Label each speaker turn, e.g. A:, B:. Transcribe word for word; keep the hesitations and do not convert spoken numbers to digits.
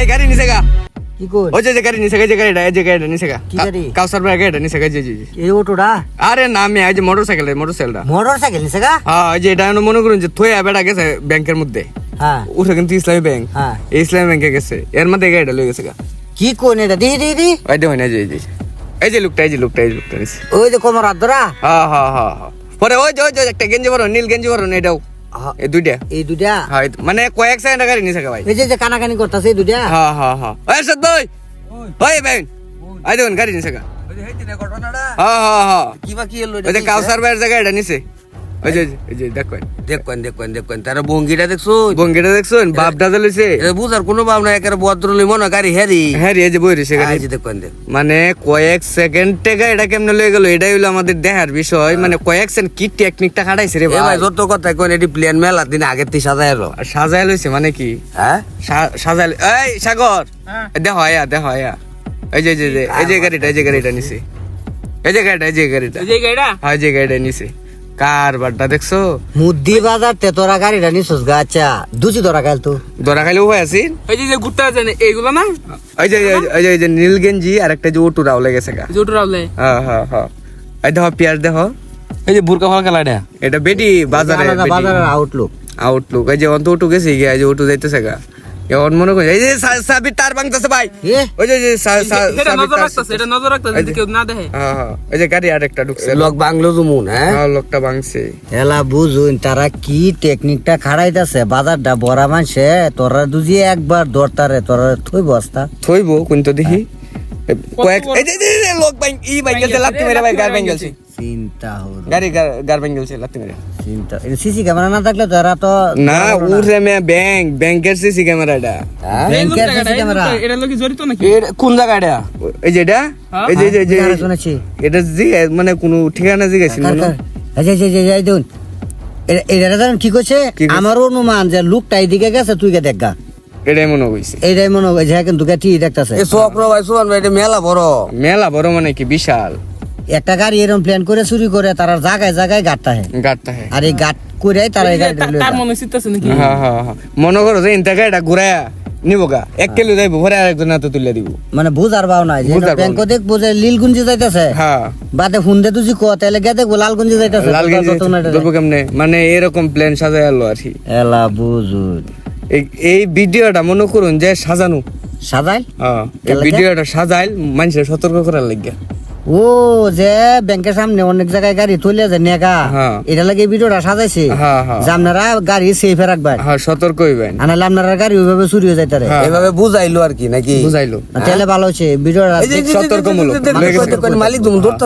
A: ভাই গাড়ি নিছে গা
B: কি কই
A: ওই যে গাড়ি নিছে গা যে গাড়িটা এই যে গাড়িটা নিছে গা
B: কি গাড়ি?
A: কাউসার ভাই গাড়িটা নিছে গা জি জি জি।
B: এই অটোটা
A: আরে না আমি এই যে মোটরসাইকেল মোটরসাইকেলটা
B: মোটরসাইকেল নিছে গা
A: হ্যাঁ এই যে এটা আমি মনে করুন যে থইয়া বেড়া গেছে ব্যাংকের মধ্যে
B: হ্যাঁ
A: উঠে কিন্তু ইসলামী ব্যাংক
B: হ্যাঁ
A: এই ইসলামী ব্যাংকে গেছে এর মধ্যে গাড়িটা লয়ে গেছে গা
B: কি কোন এটা দি দি দি
A: ওই দেখুন এই যে এই যে এই যে লোকটা এই যে লোকটা এই যে লোকটা নিছে
B: ওই যে কোমর আদরা
A: হ্যাঁ হ্যাঁ হ্যাঁ হ্যাঁ পরে ওই যে ওই যে একটা গেঞ্জি পরো নীল গেঞ্জি পরো এটাও এই দুইটা
B: এই দুইটা
A: হ্যাঁ মানে কয়েক সেকেন্ড গাড়ি নিছে গা ভাই
B: এই যে যে কানাকানি করতেছে এই দুইটা
A: হ্যাঁ হ্যাঁ হ্যাঁ ওই সদ ভাই ওই ভাই আই দেখুন গাড়ি নিছে গা
B: ওই যে হেইতে না ঘটনাটা
A: হ্যাঁ হ্যাঁ হ্যাঁ
B: কি বা কি হলো
A: ওই যে কাউসার ভাইয়ের জায়গা এটা নিছে ওই যে এই যে দেখুন
B: দেখবেন দেখবেন দেখবেন তার ভঙ্গিটা দেখছো
A: বঙ্গিটা দেখছেন বাপ দাদা লইছে
B: এটা বুঝার কোনো ভাব না একেবারে ভদ্র লই মনে গাড়ি হেরি
A: হ্যাঁ রে এই যে বই রয়েছে গাড়ি
B: এই যে দেখবেন দেখ
A: মানে কয়েক সেকেন্ড থেকে এটা কেমনে লয়ে গেল এটাই হলো আমাদের দেখার বিষয় মানে কয়েক সেকেন্ড কি টেকনিকটা খাটাইছে রে
B: এ ভাই
A: ভাই
B: যত কথা কোন এটি প্লেন মেলা দিন আগের থেকে সাজায় এলো
A: আর সাজায় লইছে মানে কি
B: হ্যাঁ
A: সা- সাজায় ল- এই সাগর দেখো আয়া দেখো আয়া এই যে এই যে এই যে গাড়িটা এই যে গাড়িটা নিছে এই যে গাড়িটা এই যে গাড়িটা
C: এই যে গাড়িটা
A: হ্যাঁ এই যে গাড়িটা নিছে কার বাড়টা দেখছো
B: মুদ্দি বাজার তে তোরা গাড়িটা নিছস গা আচ্ছা দুচি তোরা গাল তো
A: দরা খাইলে উপায় আছিস
C: এই যে যে ঘুরতে আছে এইগুলো না
A: ওই যে ওই যে- ওই যে ওই যে নীল গেঞ্জি আর একটা যে ওটু রাও লেগেছে গা
C: জোট রাউলে
A: হ্যাঁ হ্যাঁ হ্যাঁ এই দেখো পেঁয়াজ দেখো
C: এই যে বুরকা ফালকা লাইডা
A: এটা বেটি বাজারে
B: আলাদা বাজারের আউটলুক
A: আউটলুক এই যে অন্ত উঠু গেছে গিয়া এই যে উঠু যাইতেছে গা এখন মনে করি এই যে সা- সাবির তার ভাঙতেছে ভাই
B: এ
A: ওই যে- যে সা- সা-
C: এটা
A: সাবির
C: নজর
A: তার-
C: রাখতেছে এটা নজর রাখতেছে যদি কেউ না দেখে
A: হ্যাঁ হ্যাঁ এই যে গাড়ি আরেকটা ঢুকছে
B: লোক বাংলো জুমুন হ্যাঁ
A: হ্যাঁ লোকটা ভাঙছে
B: এলা বুঝুন তারা কি টেকনিকটা খাড়াইতাছে বাজারটা বড়া মানছে তোরা দুজি একবার দরতারে তোরা থই বস্তা
A: থইব কিন্তু দেখি এ, কয়েক
C: বড়?
A: এই যে- যে- যে লোক ভাঙ ই ভাঙ গেছে লাত্তি মেরে ভাই গার ভাঙ গেছে
B: চিন্তা হলো
A: গাড়ি গার- গার ভাঙ গেছে লাত্তি মেরে
B: চিন্তা সিসি ক্যামেরা না থাকলে তো এরা তো
A: না উঠে মে ব্যাংক ব্যাংকের সিসি ক্যামেরাটা
B: হ্যাঁ?
C: এই
B: ব্যাংকের
C: জায়গাটা,
B: সিসি
C: এই
B: ক্যামেরা
C: জায়গাটা, এটা লোকে জড়িত নাকি
A: এর কোন জায়গাটা এই যে এটা
C: হ্যাঁ?
A: এই যে এই যে- এই যে
B: হ্যাঁ, শুনেছি
A: এটা জিগে মানে কোনো ঠিকানা জিগেছিল
B: কার কার? এই যে, এই যে, এই যে, এই দেখুন। এ- এটা জানেন কি করছে
A: কি কইছে?
B: আমার অনুমান যে লোকটা এইদিকে গেছে তুই গে দেখা
A: এটাই মনে হইছে
B: এইটাই মনে হয় যে কিন্তু ঠিক দেখতেছে
D: এ চক্র ভাই সোহান ভাই এটা মেলা বড়
A: মেলা বড় মানে কি বিশাল
B: একটা গাড়ি এরকম প্ল্যান করে চুরি করে তারা জায়গায় জায়গায় গাড়টা হয়
A: গাড়টা হ্যাঁ
B: আর এই গাট করে তারা এই গাড়ি
C: তার- তার মনে চিত্তাছে নাকি
A: হ্যাঁ হ্যাঁ হ্যাঁ। মনে করো যে ইনটা গাড়িটা ঘুরায়া নিব গা এক কিলো যাইবো ভরে আরেকজন হাতে তুলে দিব
B: মানে বুঝার ভাও নাই
A: বুঝার ভাও
B: ব্যাংক
A: নাই।
B: দেখবো যে লীলগুঞ্জি যাইতেছে
A: হ্যাঁ
B: বাদে হুন্দে তুই ক তাহলে গে দেখবো লালগুঞ্জি যাইতেছে
A: লাল গেঞ্জি ধরবো কেমনে মানে এরকম প্ল্যান সাজাই আলো আর কি
B: এলা বুঝুন
A: এই- এই ভিডিওটা মনে করুন যে সাজানো
B: সাজাই
A: হ্যাঁ এই
B: কেলাকে?
A: ভিডিওটা সাজাইল মানুষের সতর্ক করার লাগিয়া
B: ও যে ব্যাংকের সামনে অনেক জায়গায় গাড়ি তুলে যে নেগা
A: হ্যাঁ।
B: এটা লাগে ভিডিওটা সাজাইছে
A: হ্যাঁ, হ্যাঁ।
B: যে আপনারা গাড়ি সেফে রাখবেন
A: হ্যাঁ সতর্ক হইবেন
B: আনালে আপনারা গাড়ি ওইভাবে চুরি হয়ে যাইতারে
A: হ্যাঁ।
D: এভাবে বুঝাইলো আর কি নাকি
A: বুঝাইলো
B: তাহলে ভালো হচ্ছে ভিডিওটা
D: এই যে- যে- যে-
A: সতর্কমূলক।
D: যে- যে- যে- যে- যে- মালিক তুমি ধরতে